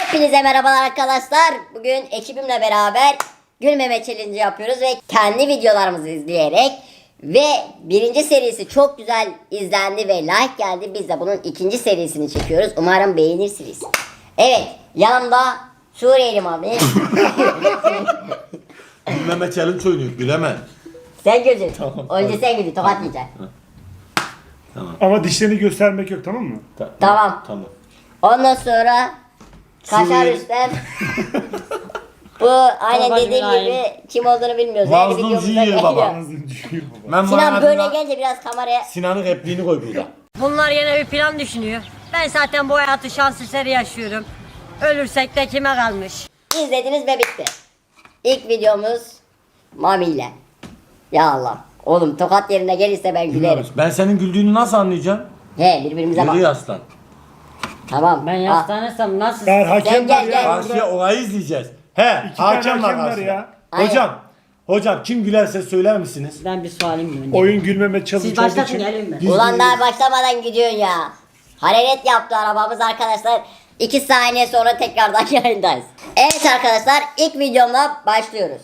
Hepinize merhabalar arkadaşlar. Bugün ekibimle beraber gülmeme challenge yapıyoruz ve kendi videolarımızı izleyerek ve birinci serisi çok güzel izlendi ve like geldi. Biz de bunun ikinci serisini çekiyoruz. Umarım beğenirsiniz. Evet, yanımda Suriyeli abi. Gülmeme challenge oynuyor, güleme. Sen güldün. Tamam. Önce sen güldün, tokat yiyeceksin. Tamam. Ama dişlerini göstermek yok, tamam mı? Tamam. Tamam. Ondan sonra Kaşar Suriye. Rüstem. Bu aynen Babacım dediğim aynı. gibi kim olduğunu bilmiyoruz. Mazlum videomuzda Ziyer geliyor. baba. Ağzını düşüyor baba. Ben Sinan böyle manasında gelince biraz kameraya... Sinan'ın repliğini koy burada. Bunlar yine bir plan düşünüyor. Ben zaten bu hayatı şans eseri yaşıyorum. Ölürsek de kime kalmış? İzlediniz ve bitti. İlk videomuz Mami ile. Ya Allah. Oğlum tokat yerine gelirse ben gülerim. Ben senin güldüğünü nasıl anlayacağım? He birbirimize bak. Yürü yaslan. Tamam. Ben al. yaslanesem nasıl? Eğer hakem gel, var gel. ya. Karşıya olayı izleyeceğiz. He, İki tane hakem var hakem var karşıda. ya. Hocam, hocam kim gülerse söyler misiniz? Ben bir sualim önce. Oyun gülmeme challenge Siz olduğu başlatın için. gelin mi? Ulan daha başlamadan gidiyorsun ya. Hararet yaptı arabamız arkadaşlar. 2 saniye sonra tekrardan yayındayız. Evet arkadaşlar ilk videomla başlıyoruz.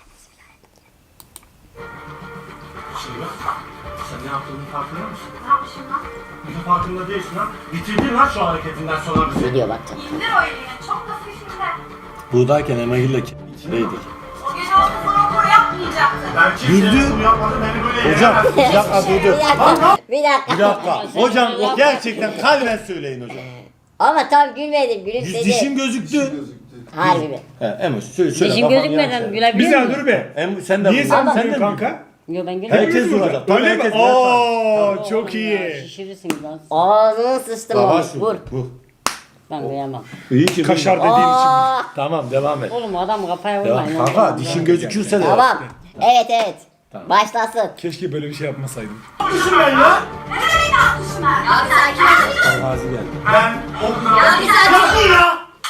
Sen ne yaptığının farkında mısın? Ne yapmışım lan? Bunun farkında değilsin lan. Bitirdin lan şu hareketinden sonra bizi. Video bakacağım. İndir o elini. Çok da fişinde. Buradayken Emre'yle içindeydik. O gece orada sana okuru yapmayacaktı. Ben kimseye bunu yapmadım, beni böyle hocam, bir dakika dur. Bir dakika. Bir dakika. Bir dakika. Hocam gerçekten kalben söyleyin hocam. Ama tam gülmedim gülümsedi. Dişim gözüktü. Harbi mi? He, Emoş söyle. Dişim gözükmeden gülebiliyor Güzel muyum? dur be. Sen de Niye vur. sen Ama- vuruyorsun de kanka? Yok ben gülemiyorum. Herkes vuracak. Tabii Öyle mi? herkes Oo çok Oğlum ya, iyi. Şişirirsiniz lan. Ağzını sıçtım Baba onu. şu. Vur. Vur. Ben kıyamam. İyi ki Kaşar vurma. dediğin için. Aa, Tamam devam et. Oğlum adam kafaya Devam. vurmayın. Kanka dişin gözükürse de. tamam. Evet evet. Tamam. Başlasın. Keşke böyle bir şey yapmasaydım. Düşün ben ya. Neden beni atmışsın ben? Abi sakin ol. Gazi geldi. Abi sakin ol.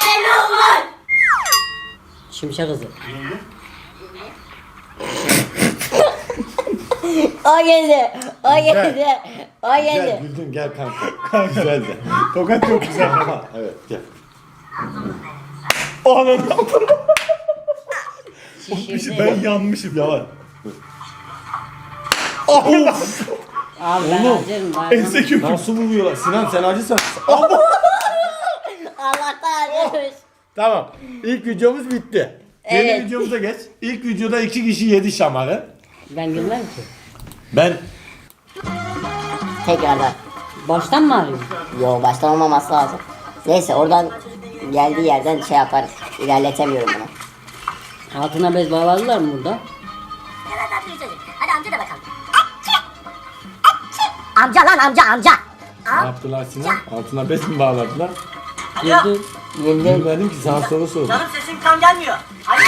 Şimşek hızı. O geldi. O geldi. O Gel geldi. güldün gel kanka. Güzel de. Tokat çok güzel. Ha, evet gel. Anam. Şişirdi. Ben yanmışım. Yavaş. Abi ben Oğlum. acırım. Ben Ense köküm. Nasıl vuruyorlar? Sinan sen acısan. Allah'tan acımış. Tamam. İlk videomuz bitti. Evet. Yeni videomuza geç. İlk videoda 2 kişi yedi şamarı. Ben gülmem ki. Ben Tekrardan. Baştan mı arıyorum? Yo baştan olmaması lazım. Neyse oradan geldiği yerden şey yaparız. İlerletemiyorum bunu. Altına bez bağladılar mı burada? Hadi amca da bakalım. Amca lan amca amca. ne yaptılar Sinan? Altına bez mi bağladılar? Güldü. Güldüm. Bilmedim ki sana soru sordum. Canım sesin tam gelmiyor. Hadi.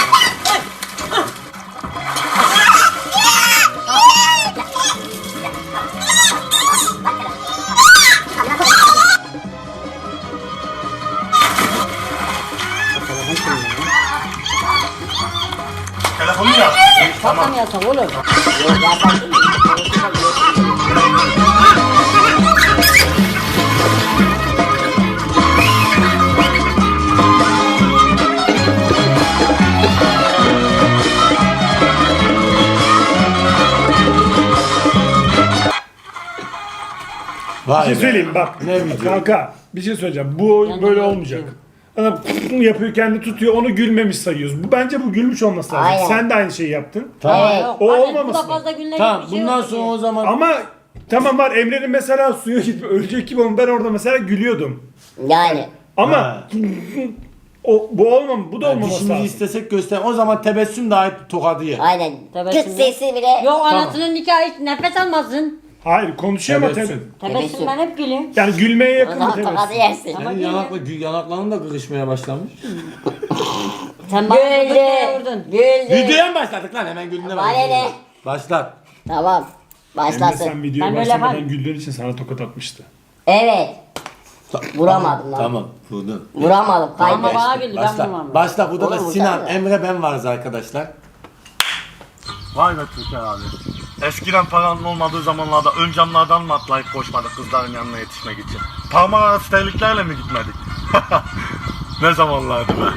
Telefonu yap. Tamam. Mı yasak oğlum? Yok yasak değil. Bir Vay şey be. söyleyeyim bak. Ne video? Kanka bir şey söyleyeceğim. Bu oyun böyle olmayacak. Adam yapıyor kendi tutuyor onu gülmemiş sayıyoruz. Bu bence bu gülmüş olması lazım. Aynen. Sen de aynı şeyi yaptın. Tamam. Evet. Yok, O hadi olmaması bu da lazım. fazla gülmek Tamam bir şey bundan yok sonra ki. o zaman Ama tamam var Emre'nin mesela suya gitme ölecek gibi ama ben orada mesela gülüyordum. Yani. Ama Ha. bu olmam bu da olmaması dişimizi lazım. istesek göster. O zaman tebessüm dahi tokadı yer. Aynen. Tabii Kıt şimdi- sesi bile. Yok anasının nikahı hiç nefes almasın. Hayır konuşuyor ama Tebessüm. Tebessüm ben hep gülüyorum. yani gülmeye O yakın bir zaman tokadı tebessüm. yersin. Ama Senin yanakların da kırışmaya başlamış. Sen bana Güldü. gıdıkaya vurdun. Güldü. Videoya mı başladık lan? Hemen güldüğüne Bana ne? Başlat. Tamam. Emre Başlasın. sen videoya Ben böyle başlamadan yaparım. güldüğün için sana tokat atmıştı. Evet. Vuramadım lan. Tamam. Vurdun. Vuramadım. Ama Kaydı. bana güldü ben Başla. vurmam. Başla. Burada da Oğlum, Sinan, vursana. Emre, ben varız arkadaşlar. Vay be Türker abi. Eskiden paranın olmadığı zamanlarda ön camlardan mı atlayıp koşmadık kızların yanına yetişmek için? Parmak arası terliklerle mi gitmedik? Ne zamanlardı be.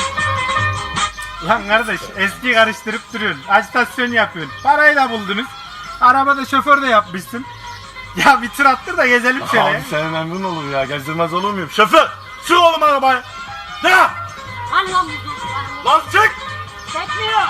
Lan kardeş eski karıştırıp duruyorsun. Ajitasyon yapıyorsun. Parayı da buldunuz. Arabada şoför de yapmışsın. Ya bir tur attır da gezelim şöyle. Abi senin emrin olur ya. Gezdirmez olur muyum? Şoför! Sür oğlum arabayı! Ya! Hadi lan Lan çık! çekmiyor.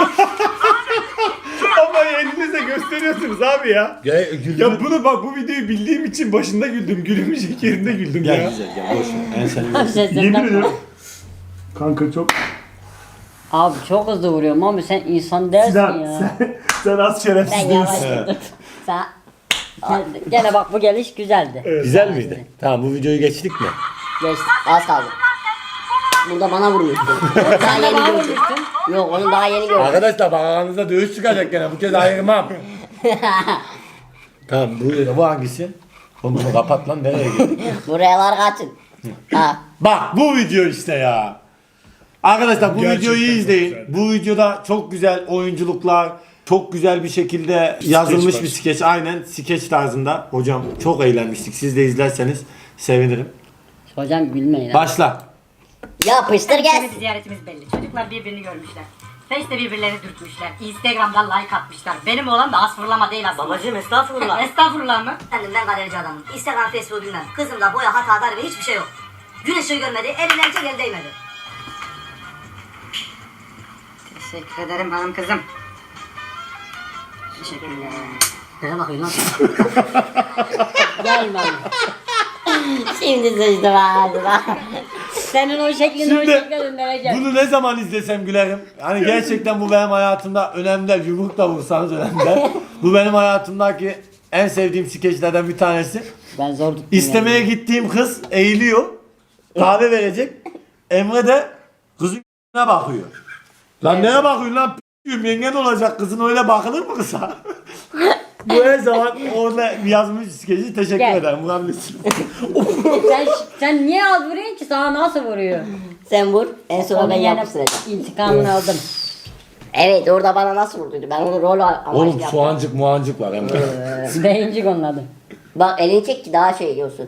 Ama elinizle gösteriyorsunuz abi ya. Ya bunu bak bu videoyu bildiğim için başında güldüm. Gülümecek yerinde güldüm Gel ya. güzel gel boş ver. En sen Yemin ederim. Kanka çok... Abi çok hızlı vuruyorum abi sen insan değilsin Sinan, ya. sen az Ben şerefsiz değilsin. yavaş Sen Gene bak bu geliş güzeldi. Güzel miydi? Tamam bu videoyu geçtik mi? geçti. Az kaldı. Burada bana vurmuştu. Daha yeni Bana gördüm. vurmuştun. Yok onu daha yeni gördüm. Arkadaşlar bak aranızda dövüş çıkacak gene bu kez ayırmam. Tamam bu hangisi? Oğlum bunu kapat lan nereye gidiyorsun? Buralar kaçın. Ha. Bak bu video işte ya. Arkadaşlar bu Gerçekten videoyu çok izleyin. güzel. Bu videoda çok güzel oyunculuklar, çok güzel bir şekilde yazılmış var. bir skeç. Aynen skeç tarzında. Hocam çok eğlenmiştik. Siz de izlerseniz sevinirim. Hocam gülmeyin. Başla. Yapıştır gelsin. Ziyaretimiz belli. Çocuklar birbirini görmüşler. Face'te birbirlerini dürtmüşler. Instagram'dan like atmışlar. Benim oğlan da az fırlama değil aslında. Babacım estağfurullah. Estağfurullah mı? Efendim ben galerici adamım. Instagram, Facebook bilmem. Kızımda boya, hata, ve hiçbir şey yok. Gün ışığı görmedi, eline el değmedi. Teşekkür ederim hanım kızım. Teşekkürler. Neye bakıyorsun lan? Gelme. Şimdi sıçtım ağzına. Senin o şeklini o Şimdi şekle döndüreceğim. bunu ne zaman izlesem gülerim. Yani gerçekten bu benim hayatımda önemli. Yumruk da vursanız önemli. Bu benim hayatımdaki en sevdiğim skeçlerden bir tanesi. Ben zor tuttum. İstemeye yani. gittiğim kız eğiliyor. Kahve verecek. Emre de kızın bakıyor. Lan neye bakıyorsun lan? P***yum, yengen olacak kızın öyle bakılır mı kıza? Bu her zaman orada yazmış skeci teşekkür Gel. ederim. Vurabilirsin. Sen niye az vuruyorsun ki sana nasıl vuruyor? Sen vur, en son ben Onun yani yapıştıracağım. İntikamını aldım. Evet orada bana nasıl vurduydu? Ben onu rol amaçlı Oğlum yaptım. soğancık muancık var Emre. Beyincik onun adı. Bak elini çek ki daha şey görsün.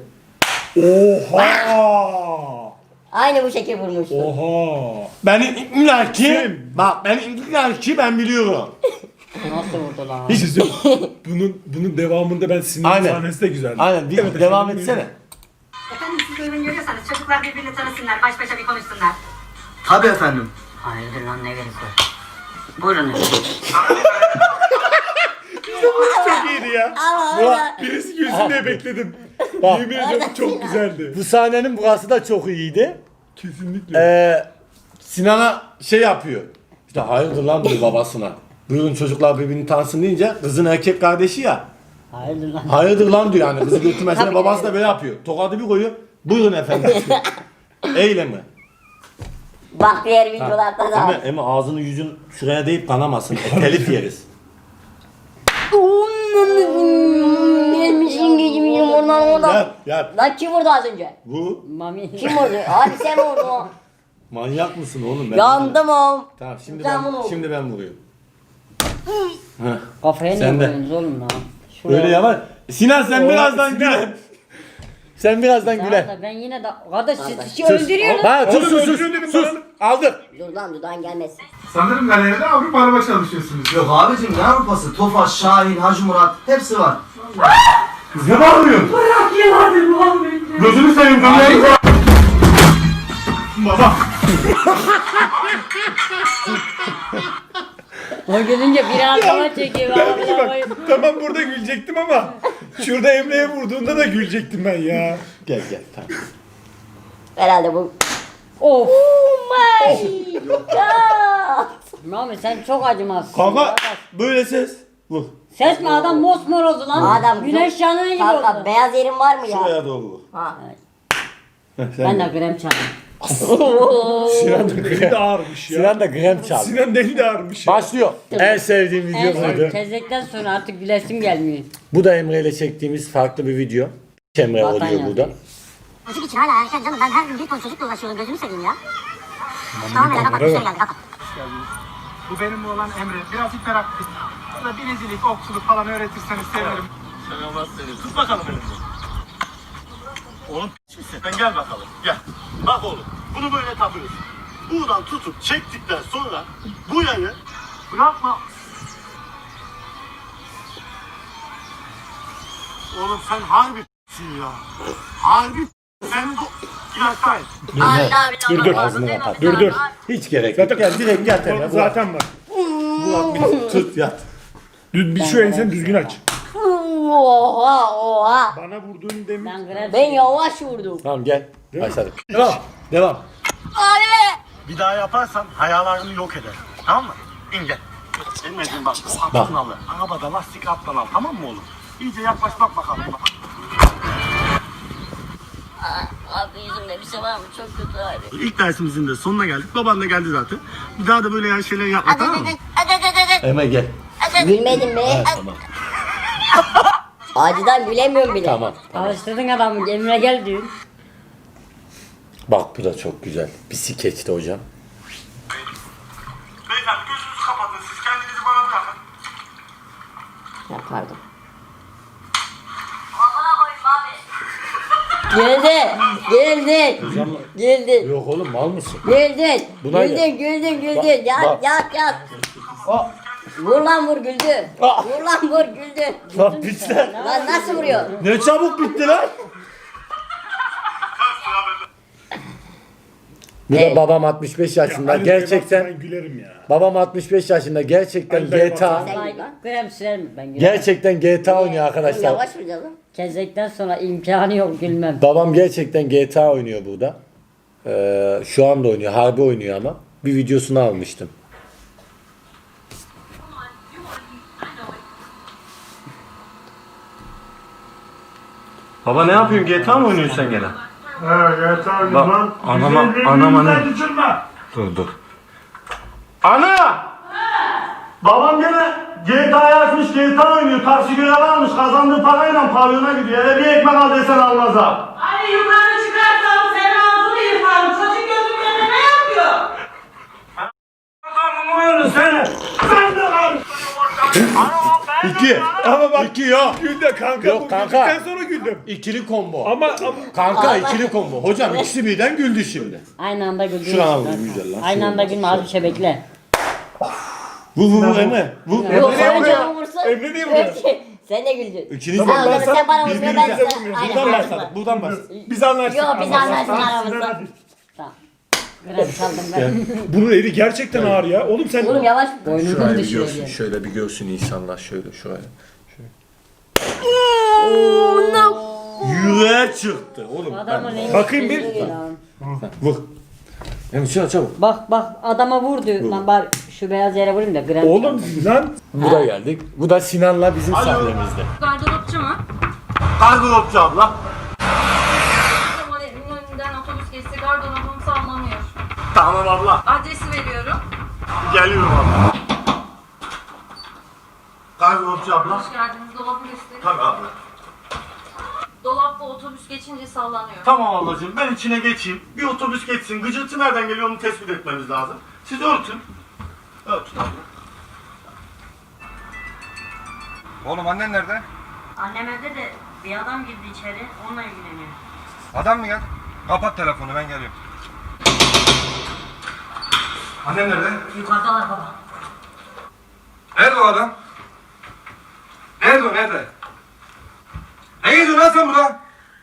Oha! Aynı bu şekil vurmuştu. Oha! Benim illaki bak benim illaki ben biliyorum. Nasıl vurdu lan? Hiç bunun devamında ben Sinan'ın Aynen. sahnesi de güzeldi. Aynen bir devam etsene. Efendim siz uygun görüyorsanız çocuklar birbirini tanısınlar. Baş başa bir konuşsunlar. Tabii efendim. Hayırdır lan ne gerek var? Buyurun. Çok iyiydi ya. Birisi gülsün diye bekledim. Bak. Yemin ediyorum çok güzeldi. Bu sahnenin burası da çok iyiydi. Kesinlikle. Sinan'a şey yapıyor. İşte hayırdır lan diyor babasına. Buyurun çocuklar birbirini tanısın deyince kızın erkek kardeşi ya. Hayırdır lan? Hayırdır lan diyor yani kızı götürmesine Tabii. babası da böyle yapıyor. Tokadı bir koyuyor. Buyurun efendim diyor. Eyleme. Bak diğer videolarda da. Ama ağzını yüzün şuraya deyip kanamasın. Telif yeriz. Gelmişsin geçmişsin oradan. Yat yat. Lan kim vurdu az önce? Bu Mami. Kim vurdu? Abi sen vurdun. manyak mısın oğlum? Ben Yandım oğlum. Tamam Canım oğlum. şimdi ben vuruyorum. Kafaya niye Sen de. vuruyorsunuz oğlum lan? Şuraya. Öyle yavaş. Sinan sen Oğlum, birazdan Sinan. güle. Sen birazdan Tamam güle. da ben yine de... Kardeş siz Kardeş. kişi öldürüyorsunuz. Ha sus Oğlum, sus sus. öldürün dedim Sus. bana. Aldık. Dur lan dudağın gelmesin. Sanırım galeride Avrupa araba çalışıyorsunuz. Yok abicim ne Avrupası? Tofaş, Şahin, Hacı Murat hepsi var. Kız ne bağırıyorsun? Bırak yılanı bu abi. Gözünü seveyim dönüyorum. Baba. O gülünce bir ağzıma çekiyor. Bak, tamam burada gülecektim ama şurada Emre'ye vurduğunda da gülecektim ben ya. Gel gel tamam. Herhalde bu. Of. Oh my god. Mami sen çok acımazsın. Kanka böyle ses. Vur. Ses mi adam mosmor oldu lan. Adam Güneş yanığı gibi Kanka oldu. beyaz yerin var mı ya? Şuraya doğru vur. Ha. Heh, Ben sen de krem çaldım. Sinan da eli de ağırmış ya. Sinan da krem çaldı. Sinan da eli de ağırmış ya. Başlıyor. En sevdiğim video buydu. Tezekten sonra artık gülesim gelmiyor. Bu da Emre ile çektiğimiz farklı bir video. Emre Vatan oluyor yazdı. burada. Çocuk için hala erken canım. Ben her gün bir ton çocukla uğraşıyorum. Gözümü seveyim ya. Tamam hele kapat. Bir şey geldi kapat. Bu benim oğlan Emre. Biraz hiperaktif. Bana binicilik, okçuluk falan öğretirseniz sevinirim. Sen tut bakalım elini. Oğlum p*** misin? Sen gel bakalım. Gel. Bak oğlum. Bunu böyle takıyorsun. Buradan tutup çektikten sonra bu yayı bırakma. Oğlum sen harbi ya. Harbi sen ilaçtayım. Dur. Hiç gerek yok. Gel direkt gel tepene. Zaten var. Tut yat. Bir şu enseni düzgün aç. Oha. Bana vurduğun demin. Ben Graham Ben yavaş vurdum. Tamam gel. Başladık. Devam. Bir daha yaparsan hayallerini yok eder. Tamam mı? İn gel. Emre'cim bak bu altın alır. Arabada lastik alttan al, tamam mı oğlum? İyice yaklaş bak bakalım. Bak. Abi yüzümde bir şey var mı? Çok kötü abi. İlk dersimizin de sonuna geldik. Baban da geldi zaten. Bir daha da böyle yani şeyler yapma, tamam mı? Emre gel. Gülmedin mi? Tamam. Acıdan gülemiyorum bile. Tamam. Alıştırdın adamı. Emre gel diyor. Bak bu da çok güzel. Bir skeçti hocam. Beyefendi gözünüzü kapatın. Siz kendinizi bana bırakın. Ya pardon. Geldin. Yok oğlum mal mısın? Güldün. Buna Güldün. Bak. Yat. Vur lan vur güldün. Vur lan vur güldün. Lan pisler. Lan nasıl vuruyor? Ne çabuk bitti lan. Bu da babam 65 yaşında. Ali Gerçekten ben gülerim ya. babam 65 yaşında. Gerçekten Ali dayı GTA. Graham sürer mi? Ben gülerim. Gerçekten GTA oynuyor arkadaşlar. Yavaş vur canım. Kezekten sonra imkanı yok gülmem. Babam gerçekten GTA oynuyor burada. Şu anda oynuyor. Harbi oynuyor ama. Bir videosunu almıştım. Baba ne yapıyorsun? GTA mı oynuyorsun sen gene? Evet abi Bak, lan. anama ne? Düşürme. Dur. Ana! Babam gene GTA'yı açmış, GTA oynuyor. Taksi görevi almış, kazandığı parayla pavyona gidiyor. Eve bir ekmek al desen almaz ha. Hani yukarı çıkarsam senin ağzını yırtarım. Çocuk gözümün önünde ne yapıyor? Adamım seni. Sen de lan. İki. Ama bak İki yok. Güldü kanka. Yok bu kanka. güldükten sonra güldüm. İkili combo. Ama Kanka ikili combo. Hocam ikisi birden güldü şimdi. Aynı anda güldüğün Şurana için. vurayım güzel lan. Aynı anda gülme az bir şey bekle. Vur Emre. Vur. Yok Emre sen vuruyor. canım vursun. Emre niye vuruyor? Sen de güldün. İkiniz Tamam, de ben sen bana vursun, ben birbirimize sana. vurmuyoruz. Aynen, buradan aynen. başladık. Buradan başladık. Biz anlaştık. Yok biz anlaştık aramızda. Tamam. Graham çaldım ben. Bunun eli gerçekten ağır ya. Oğlum sen Oğlum yavaş. Boynundan düşüyor diye. Şöyle bir görsün insanlar şöyle şuraya. Yüreğe çıktı oğlum. Adama ne? Bakayım bir. Vur. Emre şuna çabuk. Bak adama vurdu. Lan bari şu beyaz yere vurayım da Graham. Oğlum lan. Burada geldik. Bu da Sinan'la bizim sahnemizde. Gardıropçu mu? Gardıropçu abla. Zaman evimin önünden otobüs geçse gardırobum sallanıyor. Tamam abla. Adresi veriyorum. Geliyorum abla. Gardıropçu abla. Hoş geldiniz. Dolabı gösterin. Tabii abla. Dolapta otobüs geçince sallanıyor. Tamam ablacığım ben içine geçeyim. Bir otobüs geçsin. Gıcırtı nereden geliyor onu tespit etmemiz lazım. Siz örtün. Örtün abla. Oğlum annen nerede? Annem evde de bir adam girdi içeri. Onunla ilgileniyor. Adam mı geldi? Kapat telefonu ben geliyorum. Annen nerede? Yukarıdalar baba. Nerede o adam? Nerede o nerede? Ne geziyorsun lan sen burada?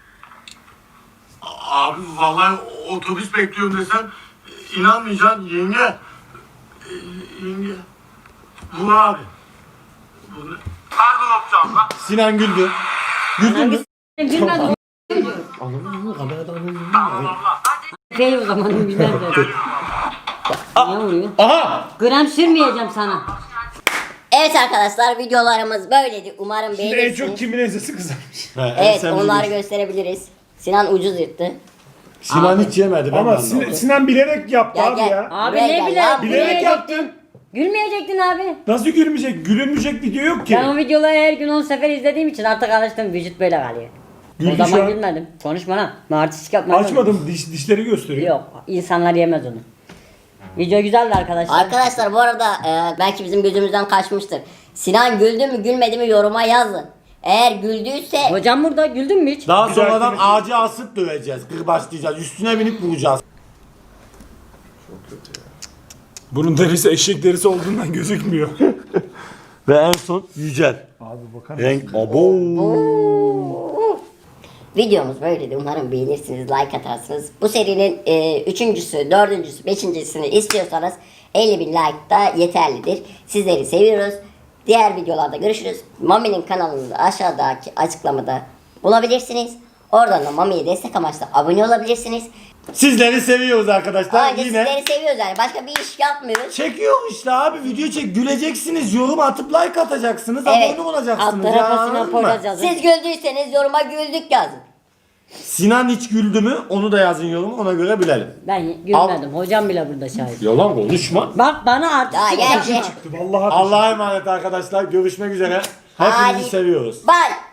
Abi vallahi otobüs bekliyorum desem inanmayacaksın yenge. Yenge. Bu abi. Bu ne? Gardıropçu abla. Sinan güldü. Güldün mü? Gülmedi. Tamam abla. Şey o zaman gülmez de. Niye vuruyor? Aha! Gram sürmeyeceğim sana. Evet arkadaşlar videolarımız böyleydi. Umarım Şimdi en çok beğenirsiniz. kimin ensesi kızarmış. Evet onları gösterebiliriz. Sinan ucuz yırttı. Sinan hiç yemedi. Ben Ama de anlamadım. Sinan bilerek yaptı Gel abi gel. ya. Abi Buraya ne gel bile ya. Bilerek yaptın. Gülmeyecektin abi. Nasıl gülmeyecek? Gülünmeyecek video yok ki. Ben o videoları her gün 10 sefer izlediğim için artık alıştım. Vücut böyle kalıyor. Güldü O zaman şu an. gülmedim. Konuşma lan. Artistik yapma. Açmadım dişleri gösteriyor. Yok. İnsanlar yemez onu. Video güzeldi arkadaşlar. Arkadaşlar bu arada belki bizim gözümüzden kaçmıştır. Sinan güldü mü gülmedi mi yoruma yazın. Eğer güldüyse Hocam burada güldün mü hiç? Daha Güzel sonradan film. ağacı asıp döveceğiz. Kırbaçlayacağız. Üstüne binip vuracağız. Bunun derisi eşek derisi olduğundan gözükmüyor. Ve en son Yücel. Abi bakar Renk abo. Videomuz böyleydi. Umarım beğenirsiniz, like atarsınız. Bu serinin üçüncüsü, dördüncüsü, beşincisini istiyorsanız 50.000 like da yeterlidir. Sizleri seviyoruz. Diğer videolarda görüşürüz. Mami'nin kanalını da aşağıdaki açıklamada bulabilirsiniz. Oradan da Mami'ye destek amaçlı abone olabilirsiniz. Sizleri seviyoruz arkadaşlar. Ayrıca Yine sizleri seviyoruz yani. Başka bir iş yapmıyoruz. çekiyor işte abi, video çek, güleceksiniz, yorum atıp like atacaksınız, Evet. abone olacaksınız. Alt tarafa ya, Sinan anladın mı? Poyraz yazın. Siz güldüyseniz yoruma güldük yazın. Sinan hiç güldü mü? Onu da yazın yoruma, ona göre bilelim. Ben gülmedim. Hocam bile burada şahit. Yalan konuşma. Bak bana artık Daha çıktı. gerçi. Vallahi Allah'a emanet arkadaşlar. Görüşmek üzere. Hepinizi Hadi. seviyoruz. Bye.